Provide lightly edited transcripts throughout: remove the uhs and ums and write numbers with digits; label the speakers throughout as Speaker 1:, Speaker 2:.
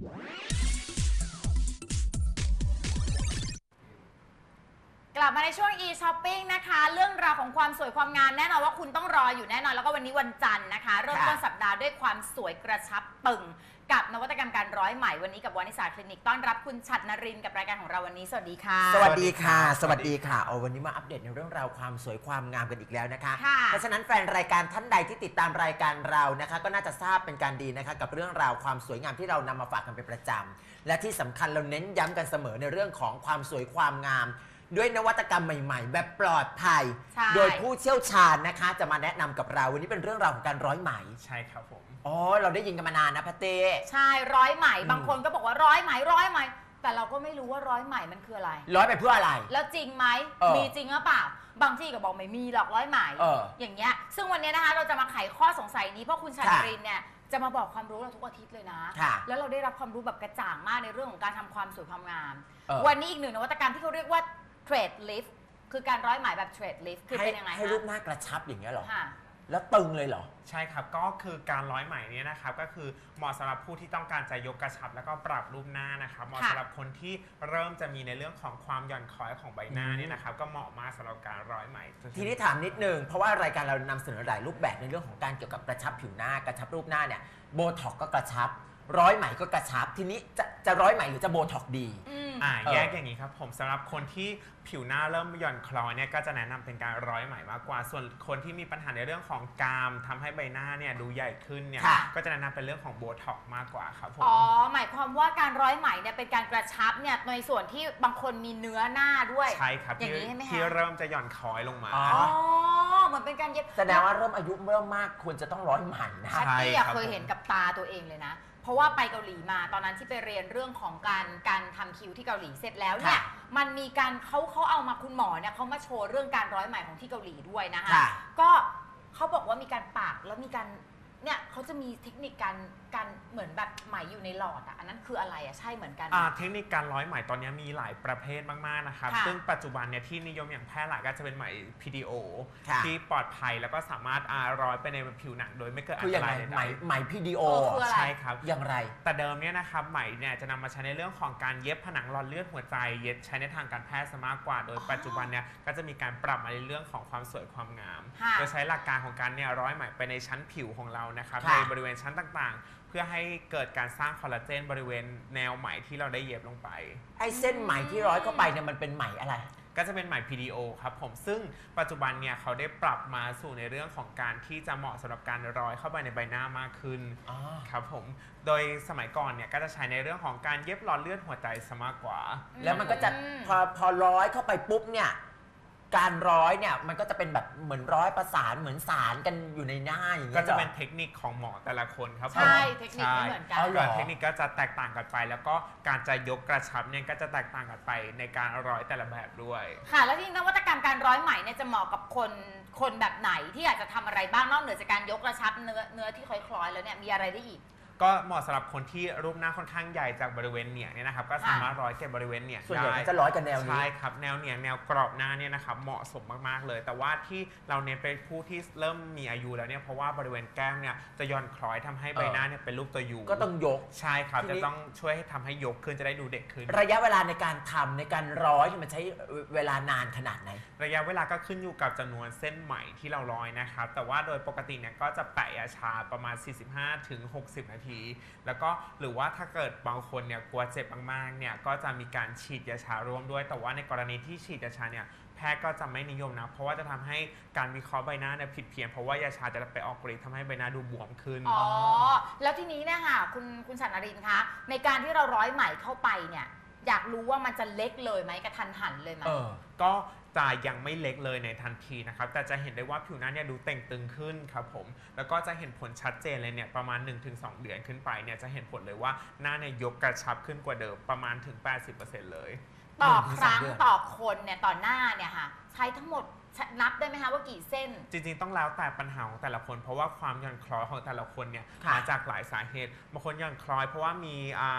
Speaker 1: กลับมาในช่วง e-shopping นะคะเรื่องราวของความสวยความงามแน่นอนว่าคุณต้องรออยู่แน่นอนแล้วก็วันนี้วันจันทร์นะคะเริ่มต้นสัปดาห์ด้วยความสวยกระชับปึงกับนวัตกรรมการร้อยไหมวันนี้กับวานิสาคลินิกต้อนรับคุณฉัตรนรินทร์กับรายการของเราวันนี้สวัสดีค่ะ
Speaker 2: สวัสดีค่ะสวัสดีค่ะวันนี้มาอัปเดตในเรื่องราวความสวยความงามกันอีกแล้วนะคะเพราะฉะนั้นแฟนรายการท่านใดที่ติดตามรายการเรานะคะก็น่าจะทราบเป็นการดีนะคะกับเรื่องราวความสวยงามที่เรานำมาฝากกันเป็นประจำและที่สำคัญเราเน้นย้ำกันเสมอในเรื่องของความสวยความงามด้วยนวัตกรรมใหม่ๆแบบปลอดภัยโดยผู้เชี่ยวชาญนะคะจะมาแนะนำกับเราวันนี้เป็นเรื่องราวของการร้อยไหม
Speaker 3: ใช่ครับผม
Speaker 2: อ๋อเราได้ยินกันมานานนะพะเต้
Speaker 1: ใช่ร้อยไหมบางคนก็บอกว่าร้อยไหมแต่เราก็ไม่รู้ว่าร้อยไหมมันคืออะไร
Speaker 2: ร้อยไปเพื่ออะไร
Speaker 1: แล้วจริงไหมมีจริงหรือเปล่าบางที่ก็บอกไม่มีหรอกร้อยไหมอย่างเงี้ยซึ่งวันนี้นะคะเราจะมาไขข้อสงสัยนี้เพราะคุณฉัตรนรินทร์เนี่ยจะมาบอกความรู้เราทุกอาทิตย์เลยนะแล้วเราได้รับความรู้แบบกระจ่างมากในเรื่องของการทำความสวยความงามวันนี้อีกหนึ่งนวัตกรรมที่เขาเรียกว่าเทรดลิฟต์คือการร้อยไหมแบบเทรดลิฟต์คือเป็นยังไง
Speaker 2: ให้รูปหน้ากระชับอย่างเงี้ยหรอแล้วตึงเลยเหรอ
Speaker 3: ใช่ครับก็คือการร้อยไหมเนี่ยนะครับก็คือเหมาะสำหรับผู้ที่ต้องการจะยกกระชับแล้วก็ปรับรูปหน้านะครับเหมาะสำหรับคนที่เริ่มจะมีในเรื่องของความหย่อนคล้อยของใบหน้าเนี่ยนะครับก็เหมาะมากสำหรับการร้อยไหม
Speaker 2: ทีนี้ถามนิดนึงเพราะว่ารายการเรานำเสนอหลายรูปแบบในเรื่องของการเกี่ยวกับกระชับผิวหน้ากระชับรูปหน้าเนี่ยโบท็อกก็กระชับร้อยไหมก็กระชับทีนี้จะร้อยไหมหรือจะโบท็อกดี
Speaker 3: แยกอย่างนี้ครับผมสำหรับคนที่ผิวหน้าเริ่มหย่อนคล้อยเนี่ยก็จะแนะนำเป็นการร้อยไหมมากกว่าส่วนคนที่มีปัญหาในเรื่องของกรามทำให้ใบหน้าเนี่ยดูใหญ่ขึ้นเนี่ยก็จะแนะนำเป็นเรื่องของโบท็อกมากกว่าครับผม
Speaker 1: อ๋อหมายความว่าการร้อยไหมเนี่ยเป็นการกระชับเนี่ยในส่วนที่บางคนมีเนื้อหน้าด้วย
Speaker 3: ใช่ครับอย่างนี้ใช่ไหมคะที่เริ่มจะหย่อนคล้อยลงมา
Speaker 1: อ๋อเหมือนเป็นการเย็บ
Speaker 2: แสดงว่าเริ่มอายุเริ่มมากควรจะต้องร้อยไหมนะ
Speaker 1: ใช่เคยเห็นกับตาตัวเองเลยนะเพราะว่าไปเกาหลีมาตอนนั้นที่ไปเรียนเรื่องของการทำคิ้วที่เกาหลีเสร็จแล้วเนี่ยมันมีการเขาเอามาคุณหมอเนี่ยเขามาโชว์เรื่องการร้อยไหมของที่เกาหลีด้วยนะคะก็เขาบอกว่ามีการปากแล้วมีการเนี่ยเขาจะมีเทคนิคการเหมือนแบบไหมอยู่ในหลอดอ่ะอันนั้นคืออะไรอ่ะใช่เหมือนกัน
Speaker 3: เทคนิคการร้อยไหมตอนนี้มีหลายประเภทมากๆนะครับซึ่งปัจจุบันเนี่ยที่นิยมอย่างแพร่หลายก็จะเป็นไหม PDO ที่ปลอดภัยแล้วก็สามารถร้อยไปในผิวหนังโดยไม่เกิดอันตรายใด
Speaker 2: ๆไหม PDO
Speaker 3: ใช่ครับ
Speaker 2: อย่างไร
Speaker 3: แต่เดิมเนี่ยนะครับไหมเนี่ยจะนำมาใช้ในเรื่องของการเย็บผนังหลอดเลือดหัวใจเย็บใช้ในทางการแพทย์ซะมากกว่าโดยปัจจุบันเนี่ยก็จะมีการปรับมาในเรื่องของความสวยความงามโดยใช้หลักการของการเนี่ยร้อยไหมไปในชั้นผิวของเรานะครับในบริเวณชั้นต่างๆเพื่อให้เกิดการสร้างคอลลาเจนบริเวณแนวไหมที่เราได้เย็บลงไป
Speaker 2: ไอ้เส้นไหมที่ร้อยเข้าไปเนี่ยมันเป็นไหมอะไร
Speaker 3: ก็จะเป็นไหม PDO ครับผมซึ่งปัจจุบันเนี่ยเขาได้ปรับมาสู่ในเรื่องของการที่จะเหมาะสำหรับการร้อยเข้าไปในใบหน้ามากขึ้นครับผมโดยสมัยก่อนเนี่ยก็จะใช้ในเรื่องของการเย็บหลอดเลือดหัวใจซะมากกว่า
Speaker 2: แล้วมันก็จะพอร้อยเข้าไปปุ๊บเนี่ยการร้อยเนี่ยมันก็จะเป็นแบบเหมือนร้อยประสานเหมือนสารกันอยู่ในหน้าอย่างนี้
Speaker 3: ก็จะเป็นเทคนิคของหมอแต่ละคนครับ
Speaker 1: ใช่เทคนิคไม่เหมือนกัน
Speaker 3: เทคนิคก็จะแตกต่างกันไปแล้วก็การจะยกกระชับเนี่ยก็จะแตกต่างกันไปในการร้อยแต่ละแบบด้วย
Speaker 1: ค่ะแล้วที่นวัตกรรมการร้อยไหมเนี่ยจะเหมาะกับคนแบบไหนที่อยากจะทำอะไรบ้างนอกเหนือจากการยกกระชับเนื้อที่คล้อยๆแล้วเนี่ยมีอะไรได้อีก
Speaker 3: ก็เหมาะสำหรับคนที่รูปหน้าค่อนข้างใหญ่จากบริเวณเหนียงเนี่ยนะครับก็สามารถร้อยเก็บบริเวณเหนียงได้
Speaker 2: ส่วนใหญ่จะร้อยกันแนวนี้
Speaker 3: ใช่ครับแนวเหนียงแนวกรอบหน้าเนี่ยนะครับเหมาะสมมากๆเลยแต่ว่าที่เราเน้นเป็นผู้ที่เริ่มมีอายุแล้วเนี่ยเพราะว่าบริเวณแก้มเนี่ยจะย่อนคล้อยทำให้ใบหน้าเนี่ยเป็นรูปตัวยู
Speaker 2: ก็ต้องยก
Speaker 3: ใช่ครับจะต้องช่วยให้ทำให้ยกขึ้นจะได้ดูเด็กขึ้น
Speaker 2: ระยะเวลาในการทำในการร้อยมันใช้เวลานานขนาดไหน
Speaker 3: ระยะเวลาก็ขึ้นอยู่กับจำนวนเส้นไหมที่เราร้อยนะครับแต่ว่าโดยปกติเนี่ยก็จะแปะยาชาประมาณ 45-60 นาทีแล้วก็หรือว่าถ้าเกิดบางคนเนี่ยกลัวเจ็บมากๆเนี่ยก็จะมีการฉีดยาชาร่วมด้วยแต่ว่าในกรณีที่ฉีดยาชาเนี่ยแพทย์ก็จะไม่นิยมนะเพราะว่าจะทำให้การวิเคราะห์ใบหน้าเนี่ยผิดเพี้ยนเพราะว่ายาชาจะไปออกฤทธิ์ทำให้ใบหน้าดูบวมขึ้น
Speaker 1: อ๋อแล้วทีนี้เนี่ยค่ะคุณฉัตรนรินทร์คะในการที่เราร้อยไหมเข้าไปเนี่ยอยากรู้ว่ามันจะเล็กเลยไหมกระทันหันเลยไหม
Speaker 3: ก็จะยังไม่เล็กเลยในทันทีนะครับแต่จะเห็นได้ว่าผิวหน้าเนี่ยดูเต่งตึงขึ้นครับผมแล้วก็จะเห็นผลชัดเจนเลยเนี่ยประมาณ 1-2 เดือนขึ้นไปเนี่ยจะเห็นผลเลยว่าหน้าเนี่ยยกกระชับขึ้นกว่าเดิมประมาณถึง 80% เลย
Speaker 1: ต่อครั้งต่อคนเนี่ยต่อหน้าเนี่ยค่ะใช้ทั้งหมดนับได้ไหมคะว่ากี่เส้น
Speaker 3: จริงๆต้องแล้วแต่ปัญหาของแต่ละคนเพราะว่าความหย่อนคล้อยของแต่ละคนเนี่ยมาจากหลายสาเหตุบางคนหย่อนคล้อยเพราะว่ามี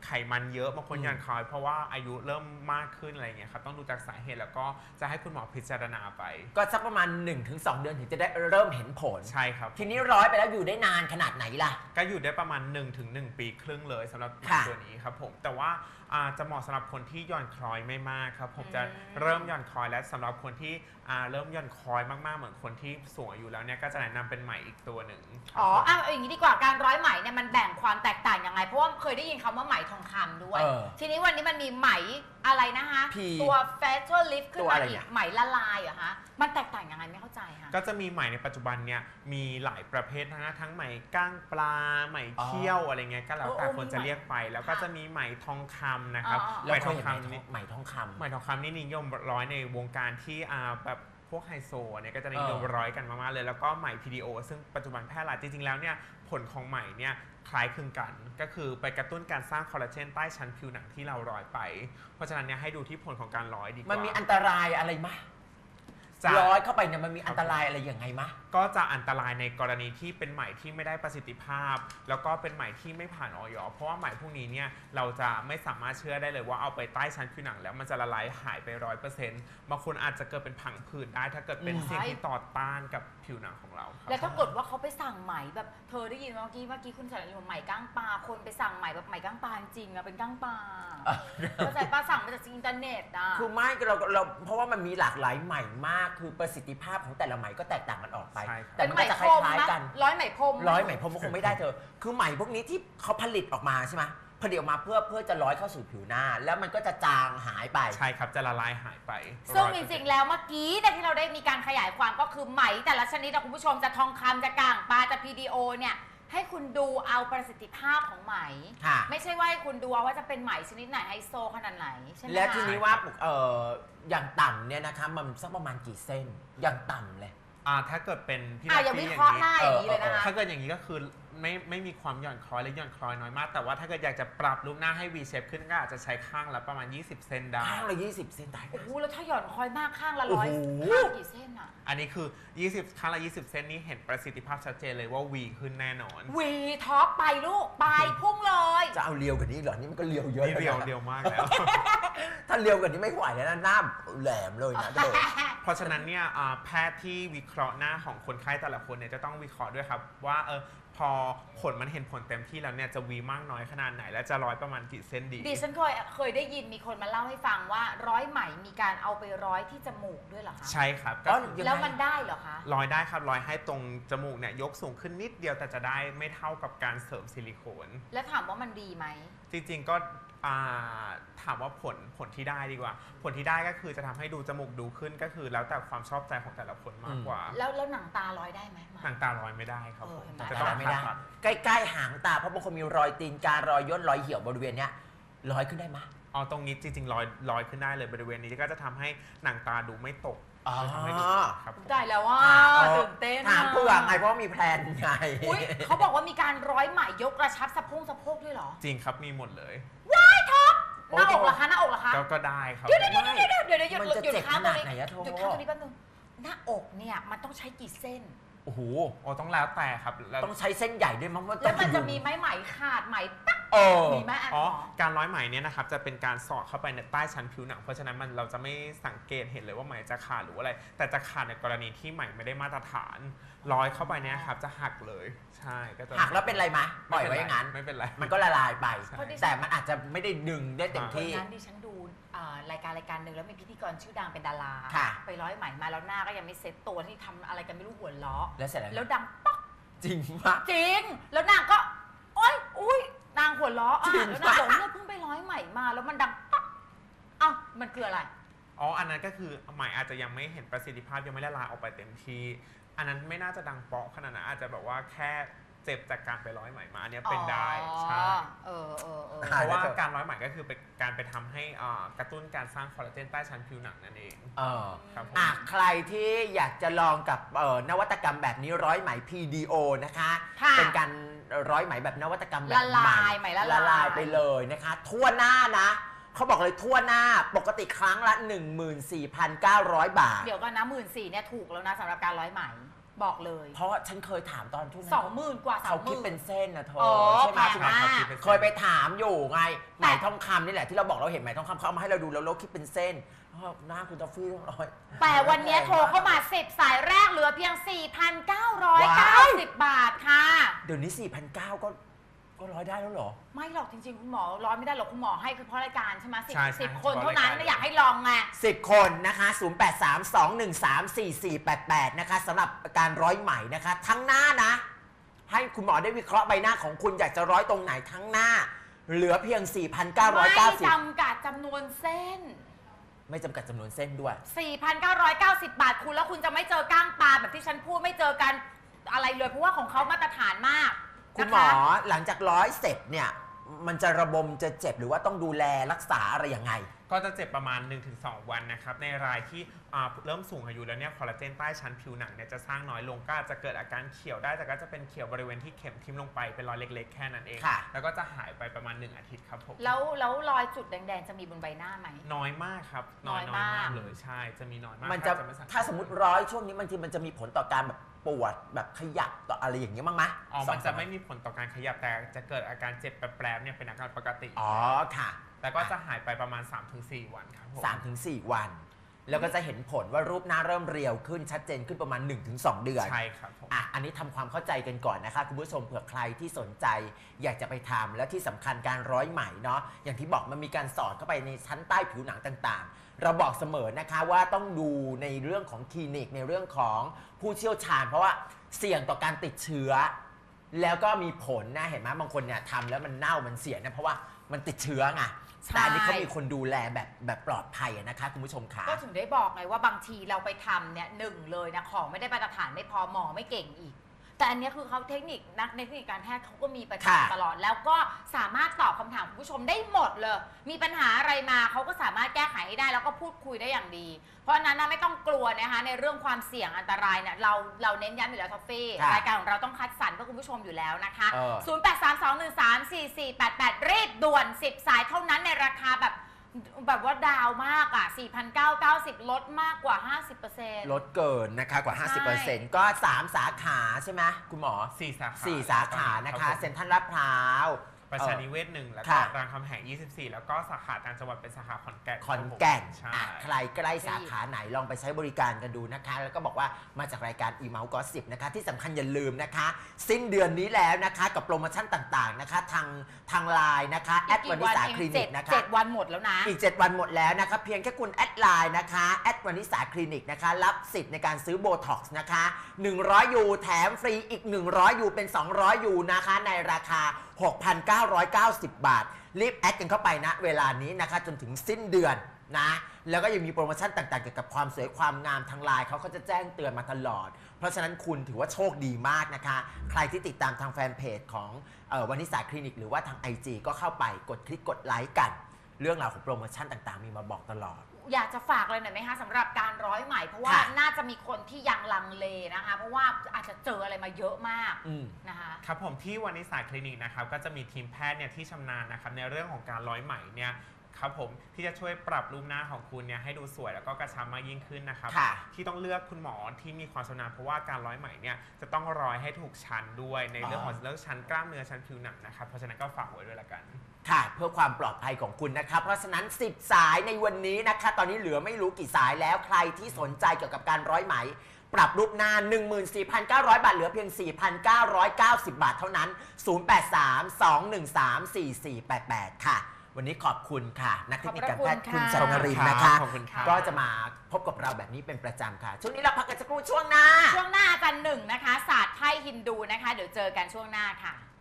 Speaker 3: ไขมันเยอะบางคนหย่อนคล้อยเพราะว่าอายุเริ่มมากขึ้นอะไรเงี้ยครับต้องดูจากสาเหตุแล้วก็จะให้คุณหมอพิจารณาไป
Speaker 2: ก็สักประมาณ 1-2 เดือนถึงจะได้เริ่มเห็นผล
Speaker 3: ใช่ครับ
Speaker 2: ทีนี้ร้อยไปแล้วอยู่ได้นานขนาดไหนล่ะ
Speaker 3: ก็อยู่ได้ประมาณ 1-1 ปีครึ่งเลยสำหรับตัวนี้ครับผมแต่ว่าจะเหมาะสำหรับคนที่หย่อนคล้อยไม่มากครับผมจะเริ่มหย่อนคล้อยและสำหรับคนที่เริ่มหย่อนคล้อยมากๆเหมือนคนที่สูงอายุแล้วเนี่ยก็จะแนะนำเป็นไหมอีกตัวหนึ่ง
Speaker 1: อย่างนี้ดีกว่าการร้อยไหมเนี่ยมันแบ่งความแตกต่างยังไงเพราะว่าเคยได้ยินคำว่าไหมทองคำด้วยทีนี้วันนี้มันมีไหมอะไรนะคะตัว facial lift ขึ้นมาอีกไหมละลายเหรอคะมันแตกต่างยังไงไม่เข้าใจค่ะ
Speaker 3: ก็จะมีไหมในปัจจุบันเนี่ยมีหลายประเภทนะทั้งไหมก้างปลาไหมเขี้ยวอะไรเงี้ยก็แล้วแต่คนจะเรียกไปแล้วก็จะมีไหมทองคำนะครับ
Speaker 2: ไหมทองคำไหมทองคำ
Speaker 3: ไหมทองคำนี่นิยมร้อยในวงการที่แบบพวกไฮโซเนี่ยก็จะนิยมร้อยกันมากๆเลยแล้วก็ไหม PDO ซึ่งปัจจุบันแพร่หลายจริงๆแล้วเนี่ยผลของไหมเนี่ยคล้ายคลึงกันก็คือไปกระตุ้นการสร้างคอลลาเจนใต้ชั้นผิวหนังที่เราร้อยไปเพราะฉะนั้นเนี่ยให้ดูที่ผลของการร้อยดีกว่า
Speaker 2: มันมีอันตรายอะไรมั้ยร้อยเข้าไปเนี่ยมันมีอันตรายอะไรยังไงมะ
Speaker 3: ก็จะอันตรายในกรณีที่เป็นไหมที่ไม่ได้ประสิทธิภาพแล้วก็เป็นไหมที่ไม่ผ่านอย.เพราะว่าไหมพวกนี้เนี่ยเราจะไม่สามารถเชื่อได้เลยว่าเอาไปใต้ชั้นผิวหนังแล้วมันจะละลายหายไป 100% บางคนอาจจะเกิดเป็นผังผืดได้ถ้าเกิดเป็นสิ่งที่ต่อต้านกับผิวหนังของเรา
Speaker 1: แล้วถ้าเกิดว่าเขาไปสั่งไหมแบบเธอได้ยินเมื่อกี้คุณสารอยู่ไหมก้างปลาคนไปสั่งไหมแบบไหมก้างปลาจริงอะเป็นก้างปลาเข้าใจป้าสั่งมาจากอินเทอร์เน็ตอะ
Speaker 2: คือไม่เราเพราะว่ามันมีหลากหลายไหมมากคือประสิทธิภาพของแต่ละไหมก็แตกต่างกันออกไป
Speaker 1: แต่มันก็จะคล้ายๆกันร้อยไหมพรม
Speaker 2: ก็คงไม่ได้เธอคือไหมพวกนี้ที่เขาผลิตออกมาใช่ไหมผลิตออกมาเพื่อจะร้อยเข้าสู่ผิวหน้าแล้วมันก็จะจางหายไป
Speaker 3: ใช่ครับจะละลายหายไป
Speaker 1: ซึ่งจริงๆแล้วเมื่อกี้ที่เราได้มีการขยายความก็คือไหมแต่ละชนิดคุณผู้ชมจะทองคำจะก่างปลาจะ PDO เนี่ยให้คุณดูเอาประสิทธิภาพของไหมไม่ใช่ว่าให้คุณดูว่าจะเป็นไหมชนิดไหนไฮโซขนาดไหนใช่ไหม
Speaker 2: แล้วทีนี้ว่าอย่างต่ำเนี่ยนะคะมันสักประมาณกี่เส้นอย่างต่ำเลย
Speaker 3: ถ้าเกิดเป็นพี่
Speaker 1: นักอย่างนี้เลยนะคะ
Speaker 3: ถ้าเกิดอย่างนี้ก็คือไม่มีความหย่อนคล้อยหรือหย่อนคล้อยน้อยมากแต่ว่าถ้าเกิดอยากจะปรับรูปหน้าให้ V shape ขึ้นก็อาจจะใช้ข้างละประมาณ20เซนได้
Speaker 2: ข้างละ20เซนได้
Speaker 1: โอ้โหแล้วถ้าหย่อนคล้อยมากข้างละ100ข้างกี่เส้นอ่ะ
Speaker 3: อันนี้คือ20ข้างละ20เซนนี่เห็นประสิทธิภาพชัดเจนเลยว่า V ขึ้นแน่นอน
Speaker 1: V ท็อปไปลูกไปพุ่งเลย
Speaker 2: จะเอาเรียวกว่านี้เหรอนี่มันก็เรียวเยอะ
Speaker 3: เรียวมากแล้ว
Speaker 2: ถ้าเรียวกว่านี้ไม่ไหวแล้วนะหน้าแหลมเลยนะ
Speaker 3: เพราะฉะนั้นเนี่ยแพทย์ที่วิเคราะห์หน้าของคนไข้แต่ละคนเนี่ยจะต้องวิเคราะห์ด้วยครับว่าพอผลมันเห็นผลเต็มที่แล้วเนี่ยจะวีมากน้อยขนาดไหนและจะร้อยประมาณกี่เส้นดี
Speaker 1: ดิฉันเคยได้ยินมีคนมาเล่าให้ฟังว่าร้อยไหมมีการเอาไปร้อยที่จมูกด้วยเหรอคะ
Speaker 3: ใช่ครับ
Speaker 1: แล้วมันได้เหรอคะ
Speaker 3: ร้อยได้ครับร้อยให้ตรงจมูกเนี่ยยกสูงขึ้นนิดเดียวแต่จะได้ไม่เท่ากับการเสริมซิลิโคน
Speaker 1: แล้วถามว่ามันดีไหม
Speaker 3: จริงๆก็ถามว่าผลที่ได้ดีกว่าผลที่ได้ก็คือจะทำให้ดูจมูกดูขึ้นก็คือแล้วแต่ความชอบใจของแต่ละคนมากกว่า
Speaker 1: แล้วหนังตาร้อยได้ไหม
Speaker 3: หนังตาร้อยไม่ได้ครับ
Speaker 2: จะต้องไม่ได้ใกล้ๆหางตาเพราะบางคนมีรอยตีนการอยย่นรอยเหี่ยวบริเวณเนี้ยร้อยขึ้นได้ไหม
Speaker 3: ตรงนี้จริงๆร้อยขึ้นได้เลยบริเวณนี้ก็จะทำให้หนังตาดูไม่ตก
Speaker 1: ได้แล้วว่าตื่นเต้น
Speaker 2: ถามเพื่อไงเพราะมีแพลนไง
Speaker 1: เขาบอกว่ามีการร้อยไหมยกกระชับสะโพกด้วยเหรอ
Speaker 3: จริงครับมีหมดเลย
Speaker 1: ว้ายท็อปหน้าอกเหรอคะหน้าอกเหรอคะ
Speaker 3: ก็ได้ครับ
Speaker 1: เดี๋ยวหยุดข้างตรงนี้
Speaker 2: ห
Speaker 1: ยุดข้างตรงนี้แป๊บนึงหน้าอกเนี่ยมันต้องใช้กี่เส้น
Speaker 2: โอ้โห
Speaker 3: ต้องแล้วแต่ครับ
Speaker 2: ต้องใช้เส้นใหญ่ด้วยมั้ง
Speaker 1: แล้วมันจะมีไหมขาดไหมตั๊กมีไหม
Speaker 3: การร้อยไหมเนี่ยนะครับจะเป็นการสอดเข้าไปในใต้ชั้นผิวหนังเพราะฉะนั้นเราจะไม่สังเกตเห็นเลยว่าไหมจะขาดหรืออะไรแต่จะขาดในกรณีที่ไหมไม่ได้มาตรฐานร้อยเข้าไปเนี่ยครับจะหักเลยใช่ก็จะ
Speaker 2: หักแล้วเป็นไรไหมปล่อยไว้อย่างนั้น
Speaker 3: ไม่เป็นไร
Speaker 2: มันก็ละลายไปแต่มันอาจจะไม่ได้ดึงได้เต็มที่
Speaker 1: นั้นดิฉันดูรายการหนึ่งแล้วมีพิธีกรชื่อดังเป็นดาราไปร้อยไหมมาแล้วหน้าก็ยังไม่เซ็ตตัวที่ทำอะไรกันไม่รู้หัวล้อ
Speaker 2: แล้วเสร็จ
Speaker 1: แล้วดังป๊อก
Speaker 2: จริงปะ
Speaker 1: จริงแล้วนางก็อุ้ยนางหัวล้อแล้วนางบอกเนี่ยเพิ่งไปร้อยไหมมาแล้วมันดังป๊อกมันคืออะไร
Speaker 3: อันนั้นก็คือไหมอาจจะยังไม่เห็นประสิทธิภาพยังไม่ละลายออกไปเต็มที่อันนั้นไม่น่าจะดังเปาะขนาดนั้นอาจจะแบบว่าแค่เจ็บจากการไปร้อยไหมมาเนี่ยเป็นได้ใช่เพราะว่าการร้อยไหมก็คือเป็นการไปทำให้กระตุ้นการสร้างคอลลาเจนใต้ชั้นผิวหนังนั่นเอง
Speaker 2: ครับใครที่อยากจะลองกับนวัตกรรมแบบนี้ร้อยไหม PDO นะคะเป็นการร้อยไหมแบบนวัตกรรมแบบ
Speaker 1: ใหม่ละ
Speaker 2: ลายไปเลยนะคะทั่วหน้านะเขาบอกเลยทั่วหน้าปกติครั้งละ 14,900 บาท
Speaker 1: เดี๋ยวก่อนนะ14,000เนี่ยถูกแล้วนะสำหรับการร้อยไหมบอกเลย
Speaker 2: เพราะฉันเคยถามตอนช่วงนั้น
Speaker 1: 20,000 กว่า
Speaker 2: เขาคิด
Speaker 1: 30,000
Speaker 2: เป็นเส้นนะเธอ
Speaker 1: อ๋อ
Speaker 2: ใช่ไหม
Speaker 1: แพงมาก
Speaker 2: เคยไปถามอยู่ไงไหมทองคำนี่แหละที่เราบอกเราเห็นไหมทองคำเขาเอามาให้เราดูแล้วเราคิดเป็นเส้นหน้าคุณทอฟฟี่ต้องร้อย
Speaker 1: แต่วันนี้โทรเข้ามา10 สายแรกเหลือเพียง 4,990 บาทค่ะ
Speaker 2: เดี๋ยวนี้ 4,900 ก็ร้อยได้แล้วเหรอ
Speaker 1: ไม่หรอกจริงๆ คุณหมอร้อยไม่ได้หรอกคุณหมอให้คือเพราะรายการใช่ไหม
Speaker 3: ใช่
Speaker 1: สิบ
Speaker 3: ใช่
Speaker 1: คนเท่านั้น
Speaker 3: เพราะรายการ
Speaker 1: อยากให้ลองไง
Speaker 2: 10 คนนะคะ 0832134488 นะคะสำหรับการร้อยไหมนะคะ ทั้งหน้านะ ให้คุณหมอได้วิเคราะห์ใบหน้าของคุณอยากจะร้อยตรงไหนทั้งหน้า เหลือเพียง
Speaker 1: ไม่
Speaker 2: 4,990
Speaker 1: จำกัดจำนวนเส้น
Speaker 2: ไม่จำกัดจำนวนเส้นด้วย
Speaker 1: 4,990 บาทคุณแล้วคุณจะไม่เจอก้างปลาแบบที่ฉันพูดไม่เจอกันอะไรเลยเพราะว่าของเขามาตรฐานมาก
Speaker 2: คุณหมอหลังจากร้อยเสร็จเนี่ย มันจะระบมจะเจ็บหรือว่าต้องดูแลรักษาอะไรยังไง
Speaker 3: ก็จะเจ็บประมาณ 1-2 วันนะครับในรายที่เริ่มสูงอายุแล้วเนี่ยคอลลาเจนใต้ชั้นผิวหนังเนี่ยจะสร้างน้อยลงก็อาจจะเกิดอาการเขียวได้แต่ก็จะเป็นเขียวบริเวณที่เข็มทิ่มลงไปเป็นรอยเล็กๆแค่นั้นเอง
Speaker 2: ค่ะ
Speaker 3: แล้วก็จะหายไปประมาณ1 อาทิตย์ครับผม
Speaker 1: แล้วรอยจุดแดงๆจะมีบนใบหน้าไหม
Speaker 3: น้อยมากครับน้อย
Speaker 1: น้อยมาก
Speaker 3: เลยใช่จะมีน้อยมาก
Speaker 2: มันจะ
Speaker 3: แทบไม่สังเกต
Speaker 2: ถ้าสมมติร้อยช่วงนี้บางทีมันจะมีผลต่อการแบบปวดแบบขยับต่ออะไรอย่างเงี้ยมั้งไหม
Speaker 3: มันจะไม่มีผลต่อการขยับแต่จะเกิดอาการเจ็บแปรบๆเนี่ยเป็นอาการปกติ
Speaker 2: อ๋อค่ะ
Speaker 3: แต่ก็จะหายไปประมาณ 3-4 วันครับผม
Speaker 2: 3-4 วัน แล้วก็จะเห็นผลว่ารูปหน้าเริ่มเรียวขึ้นชัดเจนขึ้นประมาณ 1-2 เดือน
Speaker 3: ใช่ครับผม
Speaker 2: อันนี้ทำความเข้าใจกันก่อนนะคะคุณผู้ชมเผื่อใครที่สนใจ อยากจะไปทำและที่สำคัญการร้อยไหมเนาะอย่างที่บอกมันมีการสอดเข้าไปในชั้นใต้ผิวหนังต่างๆ เราบอกเสมอนะคะว่าต้องดูในเรื่องของคลินิกในเรื่องของผู้เชี่ยวชาญ เพราะว่าเสี่ยงต่อการติดเชื้อ แล้วก็มีผลนะเห็นไหมบางคนเนี่ยทำแล้วมันเน่ามันเสียนะเพราะว่ามันติดเชื้อไง
Speaker 1: ใช่
Speaker 2: แต่อันนี้เขามีคนดูแลแบบปลอดภัยนะคะคุณผู้ชมค่ะ
Speaker 1: ก็ถึงได้บอกไงว่าบางทีเราไปทำเนี่ยหนึ่งเลยนะของไม่ได้มาตรฐานไม่พอหมอไม่เก่งอีก แต่อันเนี้ยคือเขาเทคนิคนักเทคนิคการแพทย์เขาก็มีประ
Speaker 2: ค่ะ
Speaker 1: จำตลอด แล้วก็สามารถตอบคำถามคุณผู้ชมได้หมดเลย มีปัญหาอะไรมาเขาก็สามารถแก้ไขให้ได้แล้วก็พูดคุยได้อย่างดี เพราะฉะนั้นนะไม่ต้องกลัวนะคะในเรื่องความเสี่ยงอันตรายเนี่ยเราเน้นย้ำอยู่แล้วท็อฟฟี่
Speaker 2: ค่ะ
Speaker 1: รายการของเราต้องคัดสรรเพื่อคุณผู้ชมอยู่แล้วนะคะ
Speaker 2: เออ
Speaker 1: 0832134488 รีบด่วน 10 สายเท่านั้นในราคาแบบว่าดาวมากอ่ะ 4,990 ลดมากกว่า 50%
Speaker 2: ลดเกินนะคะกว่า
Speaker 1: ใช่
Speaker 2: 50%ก็ 3 สาขาใช่ไหมคุณหมอ
Speaker 3: 4 สาขา
Speaker 2: 4 สาขานะคะ
Speaker 3: รับผม
Speaker 2: เซ็นทรัลลาดพร้าว
Speaker 3: ประชานิเวศ1แล้วก็
Speaker 2: ค่ะ
Speaker 3: รามคำแหง24 แล้วก็สาขาต่างจังหวัดเป็นสาขาขอนแก่น
Speaker 2: ขอนแก่น
Speaker 3: ใช่
Speaker 2: ใครใกล้สาขาไหนลองไปใช้บริการกันดูนะคะ แล้วก็บอกว่ามาจากรายการ e-mail gossip นะคะที่สำคัญอย่าลืมนะคะ สิ้นเดือนนี้แล้วนะคะกับโปรโมชั่นต่างๆนะคะทางไลน์นะคะแอดวานิสาคลินิกนะคะ
Speaker 1: 7 วันหมดแล้วนะ
Speaker 2: อีก 7 วันหมดแล้วนะคะเพียงแค่คุณแอดไลน์นะคะแอดวานิสาคลินิกนะคะรับสิทธิ์ในการซื้อโบท็อกซ์นะคะ100 ยูแถมฟรีอีก 100 ยูเป็น 200 ยูนะคะในราคา 6,990 บาท รีบแอดกันเข้าไปนะเวลานี้นะคะจนถึงสิ้นเดือนนะแล้วก็ยังมีโปรโมชั่นต่างๆเกี่ยวกับความสวยความงามทางไลน์เขาก็จะแจ้งเตือนมาตลอด เพราะฉะนั้นคุณถือว่าโชคดีมากนะคะ ใครที่ติดตามทางแฟนเพจของวานิสาคลินิกหรือว่าทาง IG ก็เข้าไปกดคลิกกดไลค์กัน เรื่องราวของโปรโมชั่นต่างๆ มีมาบอกตลอด
Speaker 1: อยากจะฝากเลยหน่อยไหมคะสำหรับการร้อยไหมเพราะว่า
Speaker 2: ค่ะ
Speaker 1: น่าจะมีคนที่ยังลังเลนะคะ เพราะว่าอาจจะเจออะไรมาเยอะมาก นะคะ
Speaker 3: ครับผมที่วานิสาคลินิกนะครับก็จะมีทีมแพทย์เนี่ยที่ชำนาญนะครับในเรื่องของการร้อยไหมเนี่ยครับผมที่จะช่วยปรับรูปหน้าของคุณเนี่ยให้ดูสวยแล้วก็กระชับมากยิ่งขึ้นนะครับ
Speaker 2: ค่ะ
Speaker 3: ที่ต้องเลือกคุณหมอที่มีความชำนาญเพราะว่าการร้อยไหมเนี่ยจะต้องร้อยให้ถูกชั้นด้วยในเรื่องของเรื่องชั้นกล้ามเนื้อชั้นผิวหนังนะครับเพราะฉะนั้นก็ฝากไว้ด้วยละกัน
Speaker 2: ค่ะเพื่อความปลอดภัยของคุณนะคะเพราะฉะนั้น 10 สายในวันนี้นะคะตอนนี้เหลือไม่รู้กี่สายแล้วใครที่สนใจเกี่ยวกับการร้อยไหม ปรับรูปหน้า 14,900 บาทเหลือเพียง 4,990 บาทเท่านั้น 0832134488 ค่ะ วันนี้ขอบคุณค่ะ นักเทคนิคการแพทย์
Speaker 1: ขอบคุ
Speaker 2: คุณ
Speaker 1: ณ
Speaker 2: ส
Speaker 1: ค่ะ
Speaker 2: รณรินทร์นะคะ
Speaker 3: ขอบคุณครับ
Speaker 2: ก็จะมาพบกับเราแบบนี้เป็นประจำค่ะ ช่วงนี้เราพักกันสักครู่ช่วงหน้า
Speaker 1: ช่วงหน้าอาจารย์หนึ่งนะคะศาสตร์ไพ่ฮินดูนะคะ เดี๋ยวเจอกันช่วงหน้าค่ะ